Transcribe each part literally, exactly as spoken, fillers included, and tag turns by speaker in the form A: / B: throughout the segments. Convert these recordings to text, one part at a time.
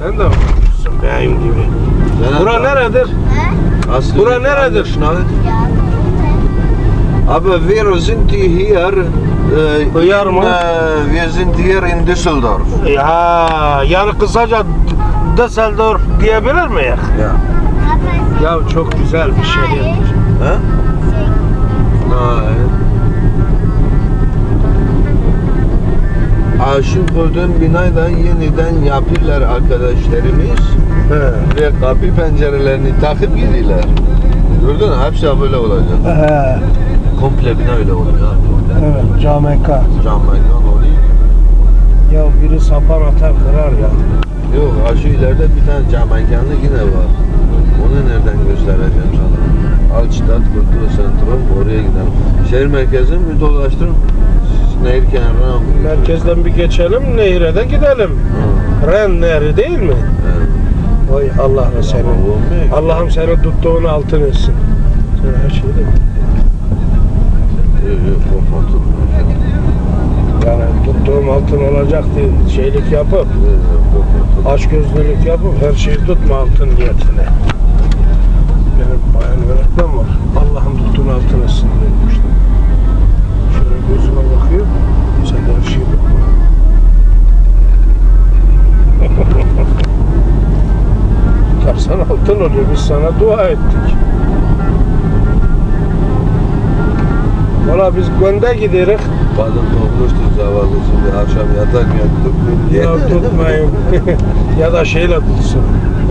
A: Sen de okumuşsun benim gibi. Bura neredir?
B: Aslı
A: Bura neredir?
B: Aber wir sind hier, äh,
A: Hıyar mı?
B: äh, wir sind hier in Düsseldorf.
A: Ya yani kısaca Düsseldorf diyebilir miyiz?
B: Ja.
A: Ya çok güzel bir şey.
B: Hä? Nein. Aşık olduğum binayı da yeniden yapıyorlar arkadaşlarımız.
A: He.
B: Ve kapı pencerelerini takıp gidiyorlar. Gördün mü? Hepsi böyle olacak.
A: He.
B: Komple bina öyle oluyor.
A: Evet, Cameka.
B: Cam mekan oluyor.
A: Ya biri sapan atar kırar ya.
B: Yok, aşı ileride bir tane cam mekanı yine var. Onu nereden göstereceğim sana? Altstadt Kultur Sentrum, oraya gidelim. Şehir merkezini bir dolaştırın. Nehir kenarına mı?
A: Merkezden bir geçelim, nehire de gidelim.
B: Hı.
A: Ren Nehri değil mi?
B: Evet.
A: Oy Allah'ım seni. Allah'ım seni tuttuğunu altın etsin. Sen her şeyi de
B: Yok yok, korkmadım.
A: yani tuttuğum altın olacak diye şeylik yapıp,
B: Yok yok, korkmadım.
A: açgözlülük yapıp her şeyi tutma altın niyetine. Benim bayan öğretmen var. Allah'ım tuttuğunu altın etsin demişti. Şöyle gözüme bakıyor. Sen de her şeyi tutma. Tutarsan altın oluyor. Biz sana dua ettik. Valla biz Gond'a gideriz.
B: Kadın korkmuştur zavallı, şimdi akşam yatarken tutmayın diye.
A: Ya tutmayın. Ya da şeyle tutsun.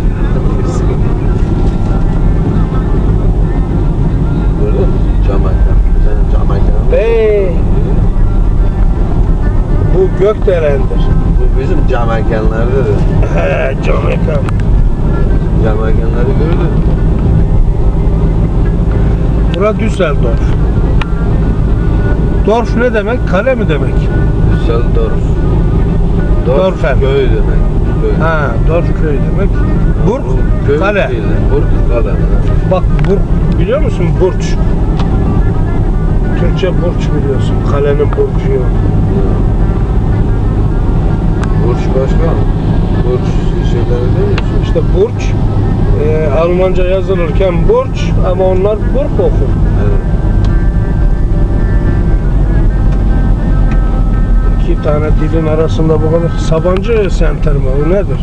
B: Gördün mü? Cam mekan. Senin cam mekanı.
A: Bey. Bu Gökdelen'dir.
B: Bu bizim cam mekanlardadır.
A: He, Cameka.
B: Cam mekanları gördün mü?
A: Bura Düsseldorf. Dorf ne demek? Kale mi demek?
B: Düsseldorf.
A: Dorfen.
B: Köy demek. Köy.
A: Ha, Dorf köy demek. Burg,
B: Köy
A: kale.
B: değil, Burg, kale.
A: Bak Burg, biliyor musun Burç? Türkçe Burç biliyorsun. Kalenin burcu yok.
B: Burç başka. Burç şeyleri değil mi?
A: İşte Burç, e, Almanca yazılırken Burç ama onlar Burg okur.
B: Evet.
A: İki tane dilin arasında bu kadar. Sabancı senter mi? O nedir?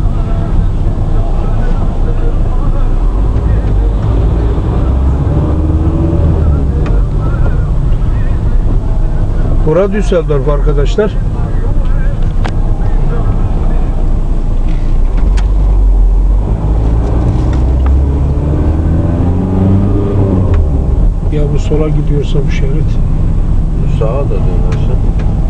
A: Bura Düsseldorf arkadaşlar. Ya bu sola gidiyorsa bu şerit.
B: Sağa da dönersin.